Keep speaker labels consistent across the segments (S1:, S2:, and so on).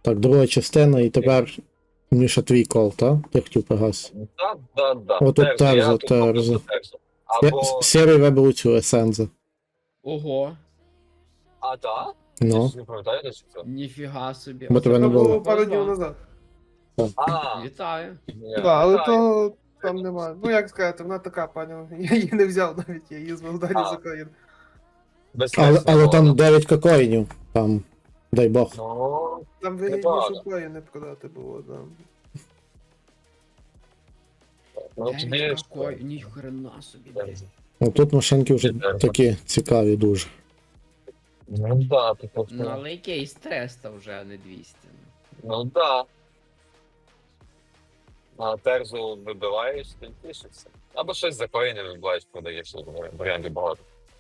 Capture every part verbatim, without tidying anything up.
S1: Так, друга частина, і тепер Міша твій кол, так? Ти хотів погас.
S2: Так, так, так.
S1: О, тут Терзо, Терзо.
S2: Або...
S1: Сірий вибив цю есензу.
S3: Ого,
S2: А, так?
S1: Ну.
S2: Я ж не пам'ятаю, де це.
S3: ніфіга собі.
S1: Бо
S3: Оце
S1: тебе не
S4: Це
S1: було.
S4: було пару днів
S3: Повезло.
S4: назад.
S2: А,
S3: Вітаю.
S2: ні,
S4: Так, але
S2: вітаю.
S4: то там немає. Ну як сказати, вона така, пані. Я її не взяв навіть, я її звав далі
S2: А.
S4: з України.
S2: Безпечно
S1: Але, але
S2: було,
S1: там
S2: да.
S1: дев'ять кокоїнів. Там, дай Бог.
S2: Ну,
S4: Там
S2: Непогано.
S4: вигідніше плеї не продати було, да.
S2: ну тоді...
S3: Дев'ять какой, ніхрена собі.
S2: Терзо.
S1: Ну тут машинки вже
S2: Терзо.
S1: такі цікаві дуже.
S2: Ну, да, ти
S3: Ну,
S2: повторив.
S3: але якийсь триста вже, а не двісті.
S2: Ну, да. А терзу вибиваєш, ти тішишся. Або щось за коїни вибиваєш, продаєш, варіантів багато.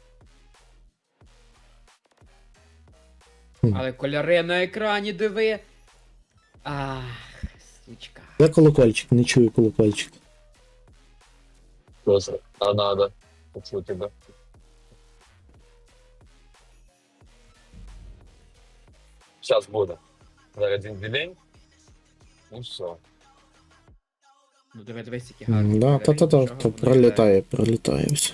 S3: Але кольори на екрані диви. Ах, сучка.
S1: Де колокольчик? Не чую колокольчик.
S2: Просто, а надо почути, да. Зараз буде. Зараз він день. Ну все.
S3: Ну диви, дивись, які гарні.
S1: М, Да,
S3: кольори,
S1: та-та-та,
S3: нічого
S1: то
S3: воно
S1: пролітає, пролітає все.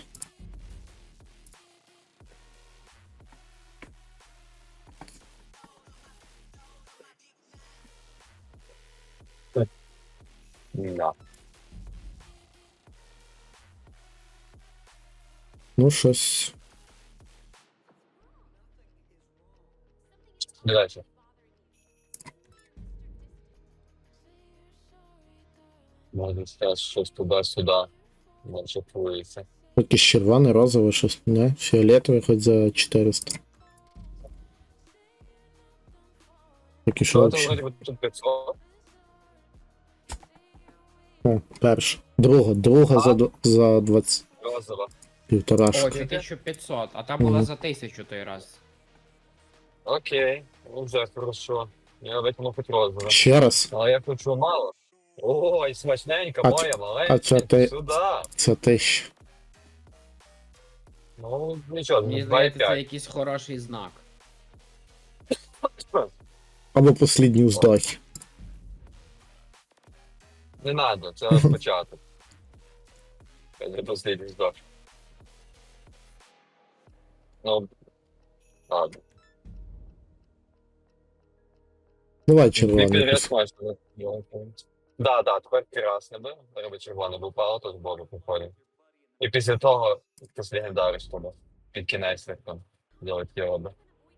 S2: Да.
S1: Ну, щось.
S2: Дальше. Може зараз щось туди-сюди. Може плюється.
S1: Якийсь червоний, розовий, щось, не? Фіолетовий хоч за чотириста. Такий що
S2: Що там
S1: взагалі?
S2: вроді би тут п'ятсот?
S1: О, перша. Друга, друга
S2: А?
S1: за, д- за двадцять.
S2: Розова.
S3: О,
S1: Півторашка.
S3: це тисяча п'ятсот, а там була
S1: Мгм.
S3: за тисячу той раз.
S2: Окей. Ну вже хорошо. Я витягну хоч розове.
S1: Ще раз.
S2: Але я хочу мало. Ой, смачненька
S1: А
S2: моя,
S1: це-
S2: маленька.
S1: а це ти-
S2: Сюди.
S1: Це тисяча.
S2: Ну, нічого,
S3: Мені
S2: два і
S3: здається, це
S2: п'ять.
S3: якийсь хороший знак.
S1: Або послідні вздохи.
S2: Не надо, це спочатку. Це не послідній здох. Ну, ладно.
S1: Давай червоний.
S2: Привіт,
S1: якийсь.
S2: смачно. Да, да, тепер красне би. Треба червоне би впало, то з боку походить. І після того якось легендари, щоб під кінець як там делать його би.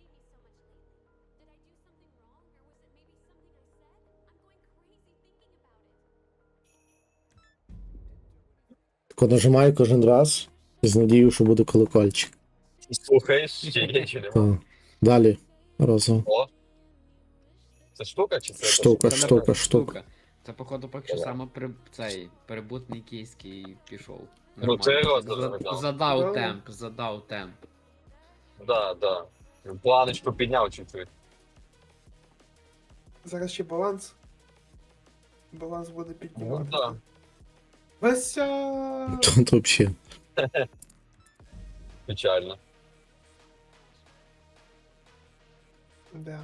S1: Тако нажимаю кожен раз з надією, що буде колокольчик.
S2: Слухаєш, чи є, чи нема?
S1: Так. Далі. Розово.
S2: О! Це штука чи це?
S1: Штука,
S3: Це,
S1: штука,
S3: напевно,
S1: штука.
S3: Це, походу, поки що
S2: Ага.
S3: саме при... цей перебутний київський пішов.
S2: Ну, це
S3: Нормально.
S2: розовий,
S3: За-
S2: да.
S3: Задав
S4: Да.
S3: темп, задав темп.
S2: Да, да. Планочку підняв чуть-чуть.
S4: Зараз ще баланс. Баланс буде
S2: Ну,
S4: піднімати.
S2: да.
S4: Вася!
S1: Тут взагалі.
S2: Печально.
S4: Да.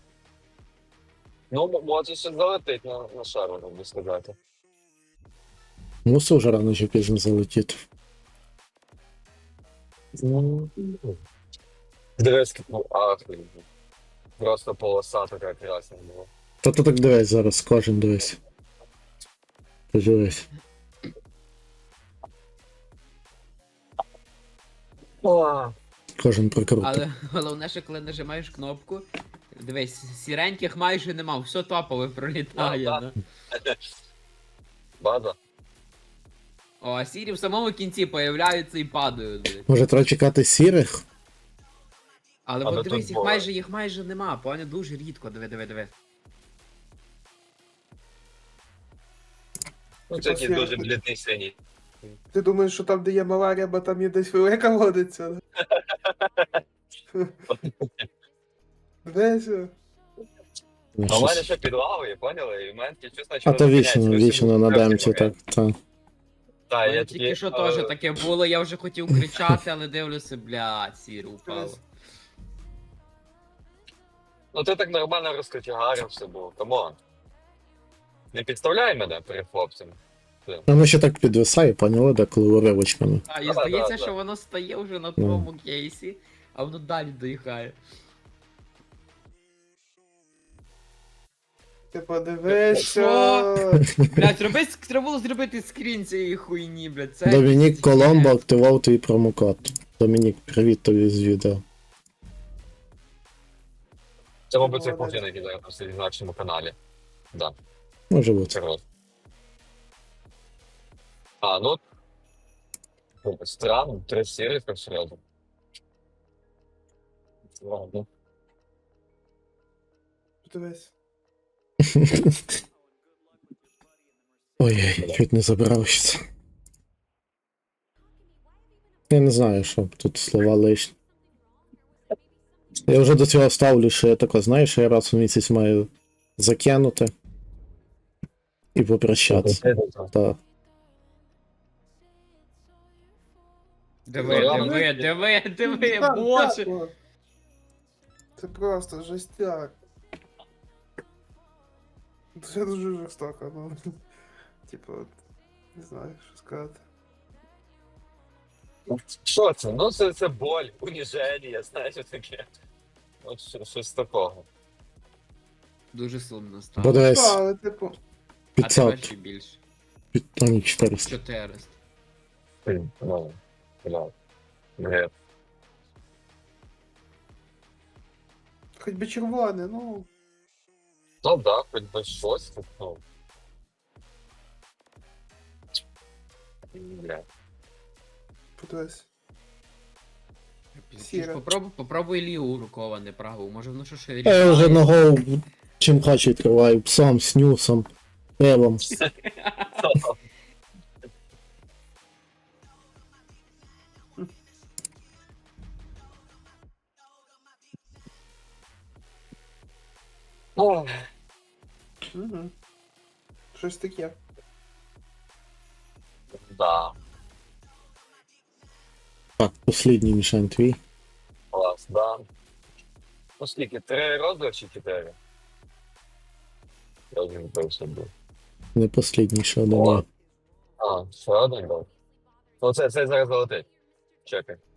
S2: Ну, м- може ще залетить на, на шару, так би сказати.
S1: Мусив вже рано чи пізно залетіти.
S2: Дивись, ну, ахуй. Просто полоса така красна була.
S1: Та ти так дивись зараз, кожен дивись. Ти дивись.
S2: О,
S1: Кожен прикрутив.
S3: Але головне, що коли нажимаєш кнопку, дивись, сіреньких майже нема, все топове пролітає.
S2: Да,
S3: Да,
S2: база.
S3: О, а сірі в самому кінці появляються і падають. блін.
S1: Може треба чекати сірих?
S3: Але
S2: Але
S3: от дивись,
S2: тут
S3: їх
S2: буває.
S3: майже, їх майже нема, поняв, дуже рідко, диви, диви, диви.
S2: Ну,
S4: Типа
S2: це такий
S4: сіра.
S2: дуже блідний синій.
S4: Ти думаєш, що там, де є мала риба, там є десь велика водиться? Вася.
S1: Ну,
S2: А в мене
S1: щось.
S2: ще під лавою, поняли? І в мене таке чувство,
S1: А то вічно, вічно на демці, так. так.
S2: Так,
S3: Я
S2: я
S3: тільки
S2: такі,
S3: що
S2: е,
S3: теж таке було, я вже хотів кричати, але дивлюся, блядь, сіре упало.
S2: Ну ти так нормально розкотягарився, був, камон. Не підставляй мене перед хлопцями.
S1: Воно ще так підвисає, поняли, деколи уривочками.
S3: А, і
S2: Да,
S3: здається,
S2: да, да.
S3: що воно стає вже на
S1: Ну.
S3: твоєму кейсі, а воно далі доїхає.
S4: Ти подивися.
S3: Що? Блядь, зроби, треба було зробити скрін цієї хуйні, блядь. Це
S1: Домінік
S3: це
S1: Коломбо
S3: хіня.
S1: активував твій промокод. Домінік, привіт тобі з відео.
S2: Це, мабуть, цей
S4: Молодець.
S2: похід, який зараз на нашому каналі. Да,
S1: Може бути.
S2: це роз. А, ну. ну, Странно, три серії так сразу. Ладно.
S4: Подивись.
S1: Ой, чуть не забрався. Я не знаю, що тут слова лишні. Я вже до цього ставлю, що я тако, знаєш, я раз у місяць маю закинути і попрощатися. Так.
S3: Диви,
S2: Ну,
S3: диви, диви, диви,
S4: Так,
S3: боже.
S4: так, о. Це просто жестяк. Це дуже жорстоко, ну. Типу, не знаю, що сказати.
S2: Що це? Ну це, це боль, уніження, знаєш, що таке. От що- щось такого.
S3: Дуже сумно стало.
S1: Бо десь
S4: Та, але типу,
S3: А тепер ще
S1: п'ятсот,
S3: більше.
S1: під, а ні, чотириста.
S3: чотириста.
S2: Блін, Ну, бля. Гет.
S4: хоч би червоне, ну.
S2: Ну да, хоч би щось, так, ну. Бля.
S4: Подивись.
S3: Чуєш,
S4: Сіре.
S3: Попробуй, попробуй ліву руковане праву, може воно що ще
S1: Я вже
S3: рішає.
S1: ногою чим хочу відкриваю, псом, снюсом, пивом.
S2: Ох,
S4: Угу. Щось таке.
S2: да,
S1: Так, послідній мішань твій.
S2: клас, да. Ну скільки, три розри чи чотири? Я вже не пився був.
S1: Не послідній, ще один
S2: О.
S1: є.
S2: А, ще один був. Ну це, це зараз залетить. Чекай.
S3: І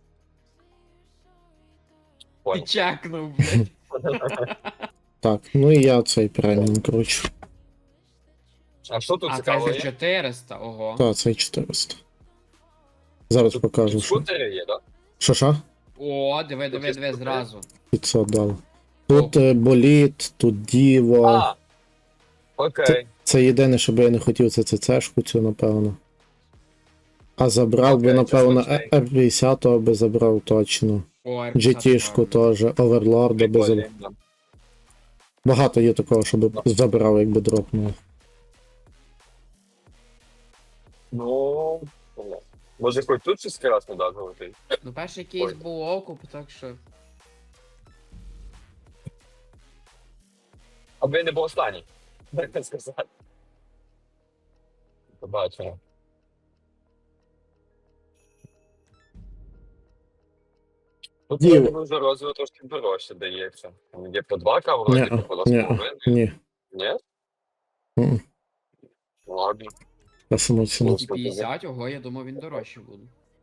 S2: Понял.
S3: чекнув, блядь.
S1: Так, ну і я цей преміум кручу.
S2: А що тут
S3: А це
S2: цікаво
S3: за
S2: є?
S3: чотириста, ого.
S1: Так, цей чотириста. Зараз
S2: Тут,
S1: покажу,
S2: тут
S1: що.
S2: скутери є, так?
S1: Що що?
S3: О, диви, диви, диви, зразу.
S1: п'ятсот дали. Тут е, боліт, тут діво.
S2: А, окей.
S1: Це єдине, що би я не хотів, це ЦЦшку цю, напевно. А забрав би,
S2: Окей,
S1: напевно,
S2: це смачний.
S1: ер п'ятдесят би забрав точно.
S3: О, ар
S1: джі
S3: п'ятдесят
S1: ті-шку
S3: гарно.
S1: теж, Оверлорда би забрав.
S2: Прикольно.
S1: Багато є такого, щоб забрав, якби дропнув.
S2: Ну, може хоч тут щось красне да, золотий?
S3: Ну, перший кейс
S2: Ой.
S3: був окуп, так що.
S2: Аби не був останній. Так не сказати. Побачимо. Тут
S1: Діво.
S2: вроді би за розову трошки дорожче дається. Там є по два каву, вроді
S1: Ні,
S2: по два з
S1: ні,
S2: половиною.
S1: ні.
S2: Ні?
S1: М-м.
S2: Ладно.
S1: Я саму ціну.
S2: Ну,
S3: двісті п'ятдесят, ого, я думав, він дорожче буде.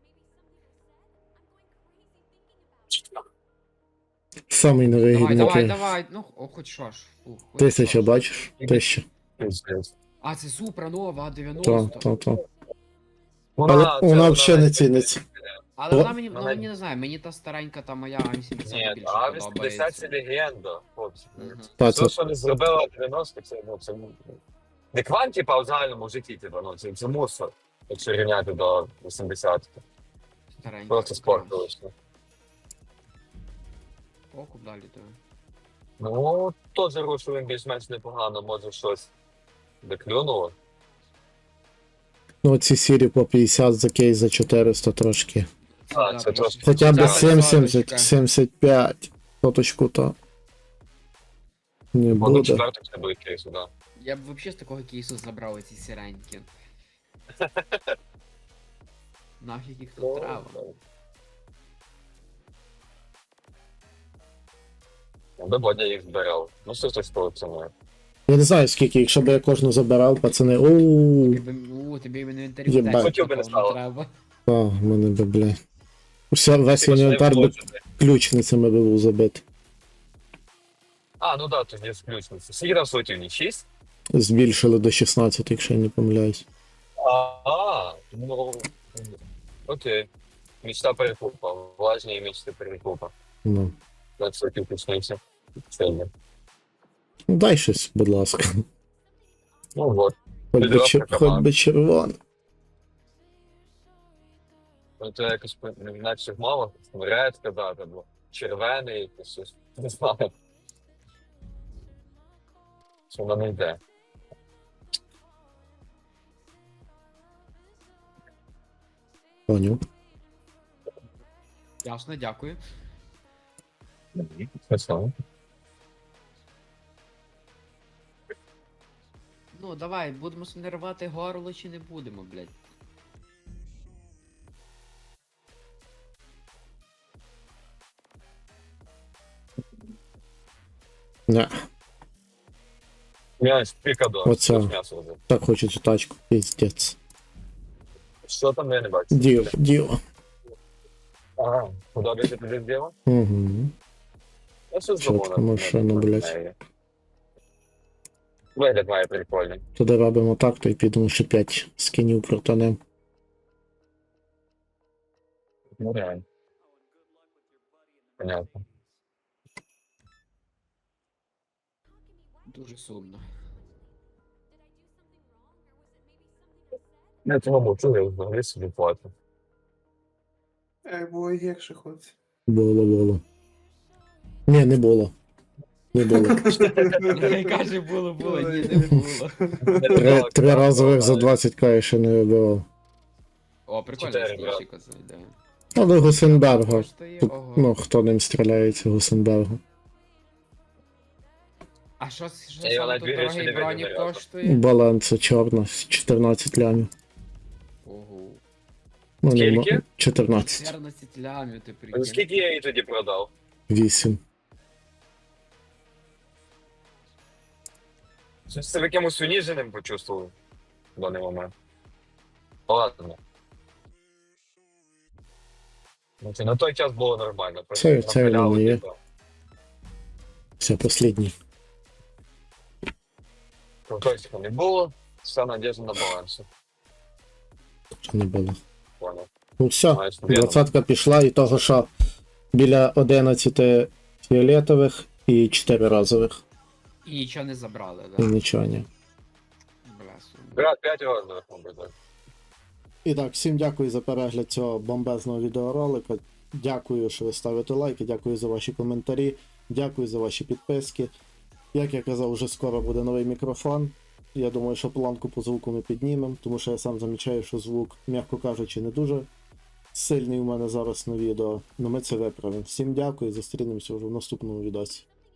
S1: Самий
S3: Давай,
S1: невигідний.
S3: давай,
S1: кейс.
S3: давай, ну, о, хоч що ж. Фу, хоч
S1: Тисяча,
S3: що ж.
S1: бачиш? Тисяча.
S2: Пиздець.
S3: А, це Супра нова,
S1: То,
S3: дев'яносто.
S1: то, то.
S2: Вона,
S1: Але
S2: це
S1: вона взагалі не
S2: навіть-
S1: ціниться.
S3: Але
S1: О,
S3: вона мені, ну,
S2: вона-
S3: мені не знаю, мені та старенька, та моя А вісімдесят
S2: Ні,
S3: більше
S2: а вісімдесят це
S3: подобається.
S2: легенда, хлопці.
S3: Мгм.
S1: Та,
S2: Все,
S1: це
S2: що не зробила дев'яносто, це, ну, це не квант, типа, а в загальному житті, типа, ну, це, це мусор, якщо рівняти до вісімдесятого.
S3: Старенька.
S2: Просто спорт вийшло.
S3: Окуп далі, то.
S2: Ну, теж рушив він більш-менш непогано, може щось доклюнуло.
S1: ну ці сірі по п'ятдесят за кейс за чотириста трошки.
S2: А, це трошки.
S1: Хоча б
S2: Це
S1: сімдесят,
S3: соточка.
S1: сімдесят п'ять. Соточку то. Не
S2: Воно
S1: буде.
S2: четвертих це буде кейсу, да.
S3: Я б взагалі з такого кейсу забрав ці сіренькі. Нафіг їх тут треба.
S2: Аби Бодя їх збирав. Ну, що ж такого ціною.
S1: Я не знаю скільки, якщо б я кожну забирав, пацани. Оу,
S3: Тобі, у, тобі в інвентарі
S1: Єбать.
S3: тексту
S2: Хотів би не
S3: такого
S2: стало.
S3: треба.
S1: а, в мене би, бля. Все, весь
S2: Ти ж не
S1: інвентар би
S2: вложити.
S1: ключницями би був забитий.
S2: А, ну да, тоді з ключниці. Скільки там суетівні? шість?
S1: Збільшили до шістнадцяти, якщо я не помиляюсь.
S2: А, ну, окей. Мечта перекупа. Влажні мечти перекупа.
S1: Ну.
S2: двадцять сотів ключниці. Сильно.
S1: Ну, дай щось, будь ласка.
S2: Ну вот.
S1: Хоч би,
S2: Підробка
S1: чер... Хоч
S2: команда.
S1: би червоне.
S2: Ну, це якось інакше мало. Ред казати, бо червений якийсь щось. Не знаю. Що воно не йде.
S1: Поняв.
S3: Ясно, дякую.
S2: Смішно.
S3: Ну, давай, будемо собі рвати горло чи не будемо, блядь.
S1: Не,
S2: М'ясь, пікадо.
S1: Оце.
S2: М'ясо вже.
S1: так хочу цю тачку, піздець.
S2: Що там я не бачу?
S1: Діо, діо.
S2: Ага, подобається тобі діло?
S1: Угу.
S2: Я що
S1: Чітка
S2: здобув
S1: машина, блядь.
S2: Вигляд має прикольний.
S1: Тоді робимо так, то й підемо ще п'ять скинів протонем.
S2: Ну реально. Понятно.
S3: Дуже сумно.
S2: Я цього мовчу, я взагалі собі плату.
S4: Ей, було гірше хоч.
S1: Було, було. Ні, не було. Не було.
S3: Каже, було, було, ні, не було.
S1: Три, три разових за двадцять к я ще не вибивав.
S3: О, прикольно,
S2: Чотири,
S3: скільчика зайде.
S1: Але Гусенберга.
S3: Коштує,
S1: Тут,
S3: ого.
S1: ну, хто ним стріляється, Гусенберга.
S3: А що, що
S2: Я
S3: саме
S2: навіть
S3: тут
S2: вірю, що
S3: дорогий
S2: не
S3: бронік
S2: видно ні разу.
S3: коштує?
S1: Баланса чорна, чотирнадцять лямів.
S3: Ого.
S1: Ну, не мо-
S2: Скільки?
S1: чотирнадцять.
S3: чотирнадцять лямів, ти
S2: Ну,
S3: прикинь.
S2: скільки я її тоді продав?
S1: вісім.
S2: Щось себе якимось уніженим почувствував в даний момент. Ладно. Ну, це на той час було нормально. просто
S1: Це- це
S2: напиляли,
S1: воно є.
S2: типу.
S1: Все, последній.
S2: Крутосика не було, вся надежда на балансі.
S1: Що не було.
S2: Понял.
S1: Ну все,
S2: Маєш вірно.
S1: двадцятка пішла і того, що біля одинадцяти фіолетових і чотири разових.
S3: І нічого не забрали,
S1: І
S3: да?
S1: нічого ні.
S3: Бля, сумно.
S2: Брат, п'ять розових, мабуть, так.
S1: І так, всім дякую за перегляд цього бомбезного відеоролика. Дякую, що ви ставите лайки, дякую за ваші коментарі, дякую за ваші підписки. Як я казав, вже скоро буде новий мікрофон. Я думаю, що планку по звуку ми піднімемо, тому що я сам замічаю, що звук, м'яко кажучи, не дуже сильний у мене зараз на відео. Ну ми це виправимо. Всім дякую, зустрінемося вже в наступному відосі.